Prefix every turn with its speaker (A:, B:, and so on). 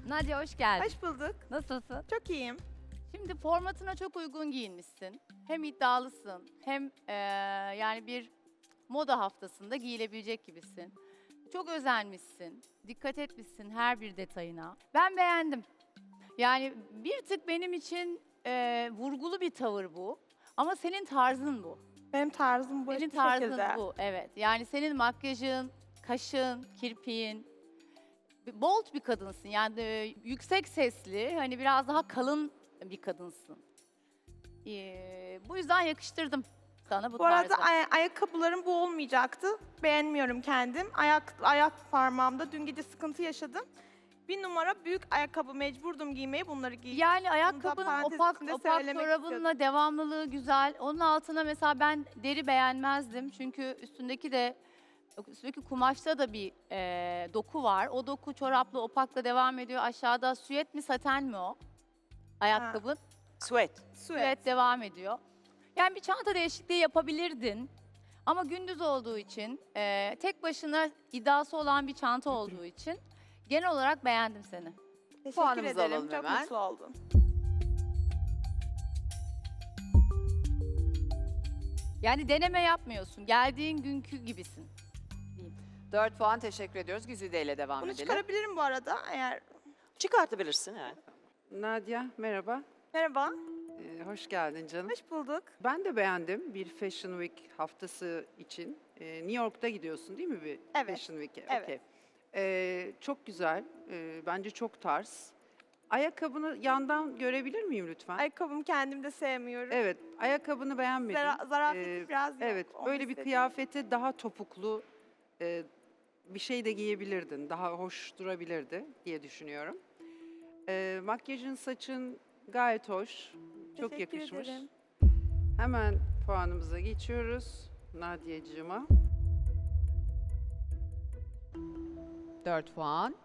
A: Nadia hoş geldin.
B: Hoş bulduk.
A: Nasılsın?
B: Çok iyiyim.
A: Şimdi formatına çok uygun giyinmişsin. Hem iddialısın hem yani bir moda haftasında giyilebilecek gibisin. Çok özenmişsin. Dikkat etmişsin her bir detayına. Ben beğendim. Yani bir tık benim için vurgulu bir tavır bu. Ama senin tarzın bu.
B: Benim tarzım bu
A: Senin
B: hiçbir
A: tarzın
B: şekilde.
A: bu, evet. Yani senin makyajın, kaşın, kirpiğin, bold bir kadınsın. Yani yüksek sesli, hani biraz daha kalın bir kadınsın. Bu yüzden yakıştırdım sana bu
B: Bu arada
A: tarzı.
B: ayakkabılarım bu olmayacaktı. Beğenmiyorum kendim. Ayak parmağımda dün gece sıkıntı yaşadım. Bir numara büyük ayakkabı mecburdum giymeye, bunları giydim.
A: Yani ayakkabının
B: parantez
A: opak
B: içinde
A: opak
B: söylemek
A: çorabınla devamlılığı güzel. Onun altına mesela ben deri beğenmezdim. Çünkü üstündeki kumaşta da bir doku var. O doku çorapla opakla devam ediyor. Aşağıda süet mi saten mi o? Ayakkabın.
C: Sweat.
A: Süet devam ediyor. Yani bir çanta değişikliği yapabilirdin. Ama gündüz olduğu için, tek başına iddiası olan bir çanta olduğu için genel olarak beğendim seni.
B: Teşekkür
C: Puanımızı
B: ederim.
C: alalım
B: Çok
C: hemen.
B: mutlu oldum.
A: Yani deneme yapmıyorsun. Geldiğin günkü gibisin.
C: 4 puan teşekkür ediyoruz. Güzide ile devam
B: Bunu
C: edelim.
B: çıkarabilirim bu arada eğer.
C: Çıkartabilirsin yani.
D: Nadia merhaba.
B: Merhaba.
D: Hoş geldin canım.
B: Hoş bulduk.
D: Ben de beğendim bir Fashion Week haftası için. New York'ta gidiyorsun değil mi bir
B: Evet.
D: Fashion Week'e?
B: Evet.
D: Okey. Çok güzel. Bence çok tarz. Ayakkabını yandan görebilir miyim lütfen?
B: Ayakkabımı kendim de sevmiyorum.
D: Evet, ayakkabını beğenmedim.
B: Zarafeti biraz yok.
D: Evet,
B: onu
D: böyle bir
B: istedim.
D: kıyafete daha topuklu bir şey de giyebilirdin. Daha hoş durabilirdi diye düşünüyorum. Makyajın, saçın gayet hoş. Çok
B: Teşekkür
D: yakışmış.
B: ederim.
D: Hemen puanımıza geçiyoruz. Nadia'cığıma.
E: 4 puan.